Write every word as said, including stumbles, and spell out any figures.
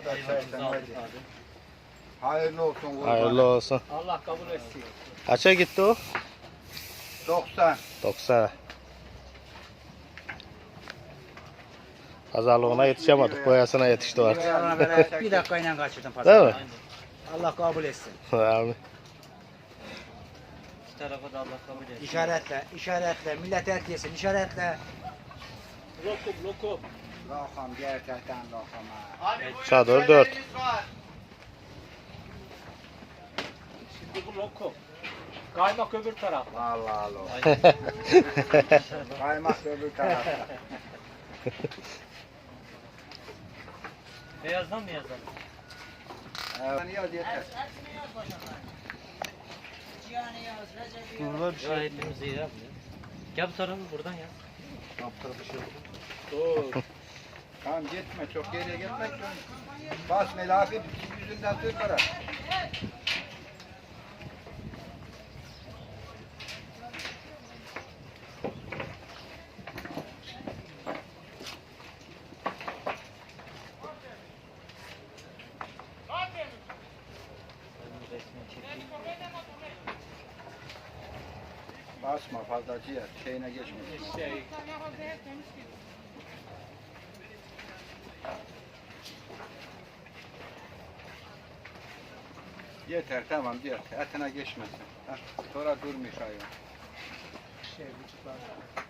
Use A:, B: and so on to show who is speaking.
A: da
B: Hayvanımızı
A: çaydan
B: aldık
A: hadi.
B: abi.
A: Hayırlı olsun kurban.
C: Hayırlı olsun.
B: Allah kabul etsin.
C: Kaça gitti o?
A: doksan.
C: doksan. Pazarlığına yetişemedik. Boyasına yetişti artık.
B: Bir dakikayla kaçırdım
C: Değil
B: pazarı.
C: mi?
B: Allah kabul etsin.
C: Abi.
B: Bu tarafa da Allah kabul etsin.
D: İşaretle, işaretle, millet et yesin, işaretle.
B: Lokum lokum.
A: Lokam gerçekten lokam ha.
C: Çadır dört.
B: Şimdi bu lokum. Kaymak öbür taraf.
A: Vallahi lo.
B: Aynen.
A: Kaymak öbür tarafta.
B: Beyazdan mı yazalım?
A: Evet. Yaz yeter.
C: Burada bir
B: Ya hepimiz iyi yapmıyor. Gel bu tarafı buradan ya.
A: Dur. Tamam gitme çok geriye gitme. Bas melafi yüzünden tırpara.
B: Benim resmini çekeyim.
A: Basma fazla ciğer. Şeyine geçme.
B: Şey.
A: Yeter tamam yeter. Etine geçmesin. Ha, sonra durmuş hayvan.
B: Şey, buçuklar.